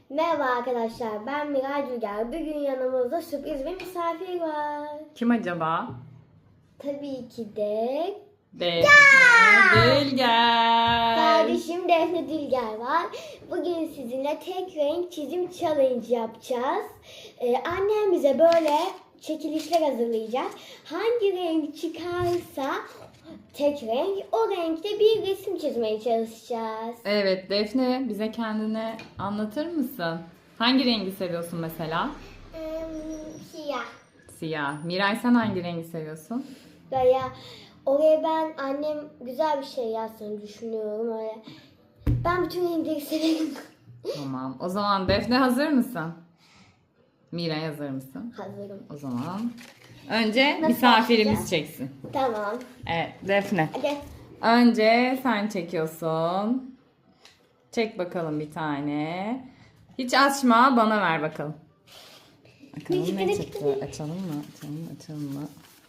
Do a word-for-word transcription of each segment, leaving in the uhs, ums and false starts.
Merhaba arkadaşlar, ben Miray Dülger. Bugün yanımızda sürpriz bir misafir var. Kim acaba? Tabii ki de Defne Dülger. kardeşim Defne Dülger var. Bugün sizinle tek renk çizim challenge yapacağız. Ee, annem bize böyle çekilişler hazırlayacak. Hangi renk çıkarsa tek renk, o renkte bir resim çizmeye çalışacağız. Evet Defne, bize kendini anlatır mısın? Hangi rengi seviyorsun mesela? Ee, siyah. Siyah. Miray, sen hangi rengi seviyorsun? Veya oraya ben annem güzel bir şey yazsın düşünüyorum öyle. Ben bütün renkleri severim. Tamam. O zaman Defne, hazır mısın? Miray, hazır mısın? Hazırım. O zaman önce Nasıl misafirimiz başlayacağız? çeksin. Tamam. Evet Defne. Hadi. Önce sen çekiyorsun. Çek bakalım bir tane. Hiç açma, bana ver bakalım. Bakalım ne çıktı. Açalım mı? Açalım mı? Açalım mı?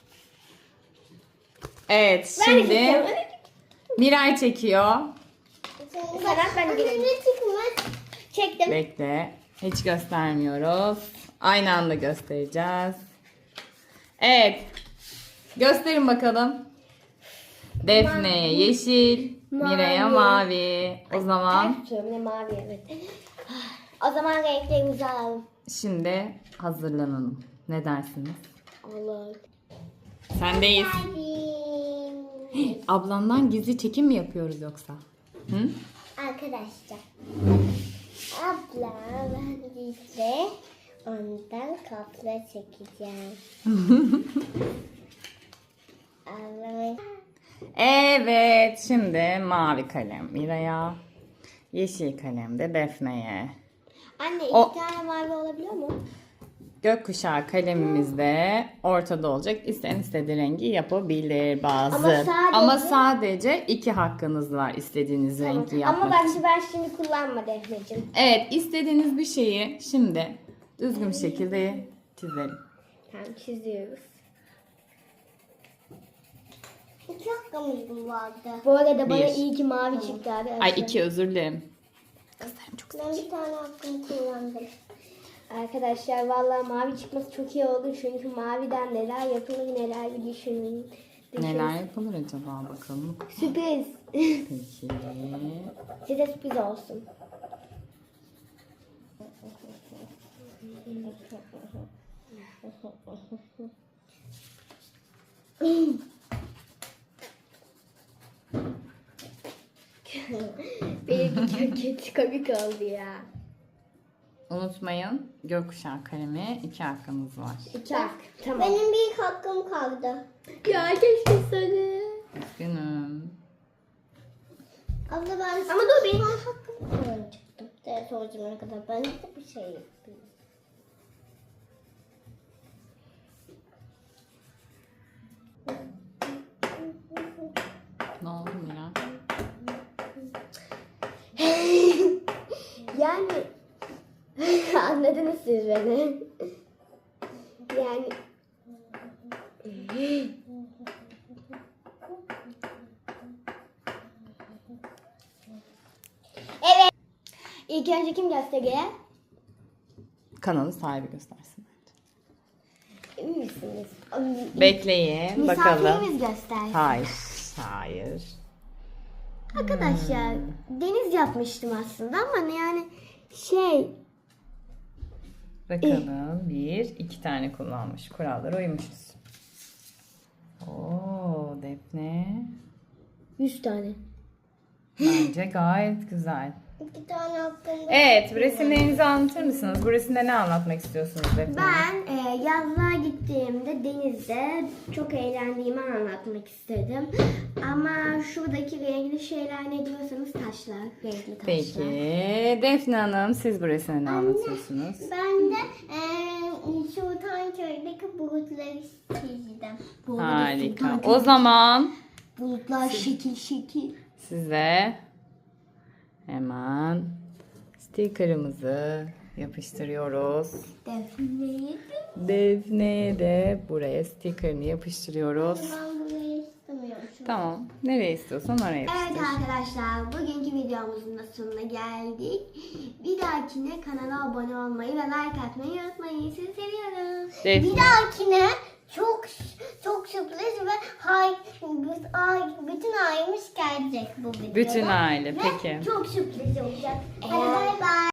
Evet, Ben de şimdi çekiyorum. Miray çekiyor. Sanat ben de gireyim. Çektim. Bekle. Hiç göstermiyoruz. Aynı anda göstereceğiz. Evet. Gösterin bakalım. Defne'ye yeşil, Miray'a mavi. O zaman Ters tutuyorum, ne mavi evet. O zaman renklerimizi alalım. şimdi hazırlanalım. Ne dersiniz? Olur. Sendeyiz. Ablandan gizli çekim mi yapıyoruz yoksa? Hı? Arkadaşlar. Abla ben de ondan kopya çekeceğim. Ablamın Evet, şimdi mavi kalem Miray'a, yeşil kalem de Defne'ye. Anne iki O- tane mavi olabiliyor mu? Gökkuşağı kalemimiz de ortada olacak. İsteyen istediği rengi yapabilir bazı. Ama sadece- Ama sadece iki hakkınız var istediğiniz rengi yapmak Ama bence için. ben şimdi kullanma Defneciğim. Evet, istediğiniz bir şeyi şimdi düzgün bir şekilde çizelim. Tamam çiziyoruz. İki hakkımız mı vardı? Bu arada bana Bir. iyi ki mavi çıktı arkadaşlar. Ay iki, özür dilerim. Kızlarım çok Ben bir tane hakkımı kullandım. Arkadaşlar vallahi mavi çıkması çok iyi oldu. Çünkü maviden neler yapılır neler bir düşünün. Neler yapılır acaba bakalım. Sürpriz. Peki. Size sürpriz olsun. Benimki çok kötü komik oldu ya. Unutmayın, gökkuşağı kalemi iki hakkınız var. İki hak. Tamam. Benim bir hakkım kaldı. Ya keşke seni. Üzgünüm. Abla ben Ama dur benim. hakkımı kullanacaktım. Ders hocamına kadar ben de bir şey yapayım. Ne oldu Mira? Yani anladınız siz beni. Yani evet. İlk önce kim gösteriyor? Kanalın sahibi göstersin. Emin misiniz? Bekleyin bakalım. Misafirimiz göstersin. Hayır. Hayır. Arkadaşlar deniz yapmıştım aslında ama yani şey Bakalım. Bir, iki tane kullanmış. Kurallara uymuşuz. Oo, Defne. yüz tane. Bence gayet güzel. İki tane hakkım var. Evet, resimlerinizi anlatır mısınız? Bu resimde ne anlatmak istiyorsunuz Defne? Ben e, yazlığa gittiğimde denizde çok eğlendiğimi anlatmak istedim. Ama şuradaki renkli şeyler ne diyorsanız taşlar, renkli taşlar. Peki, Defne Hanım, siz bu resimde ne anlatıyorsunuz? Ben de eee Sultanköy'deki bulutları çizdim. Bu arada Harika. sultan O zaman bulutlar şekil şekil. size hemen sticker'ımızı yapıştırıyoruz. Defne'yi Defne'ye de buraya sticker'ını yapıştırıyoruz. Ben burayı istemiyorum. Şu Tamam. Nereye istiyorsan oraya Evet yapıştır. arkadaşlar, bugünkü videomuzun da sonuna geldik. Bir dahakine kanala abone olmayı ve like atmayı unutmayın. Sizi seviyorum. Defne. Bir dahakine çok çok sürpriz ve hay, bütün ailemiz gelecek bu videoda. Bütün aile. Ve Peki. çok sürpriz olacak. Hadi bay bay.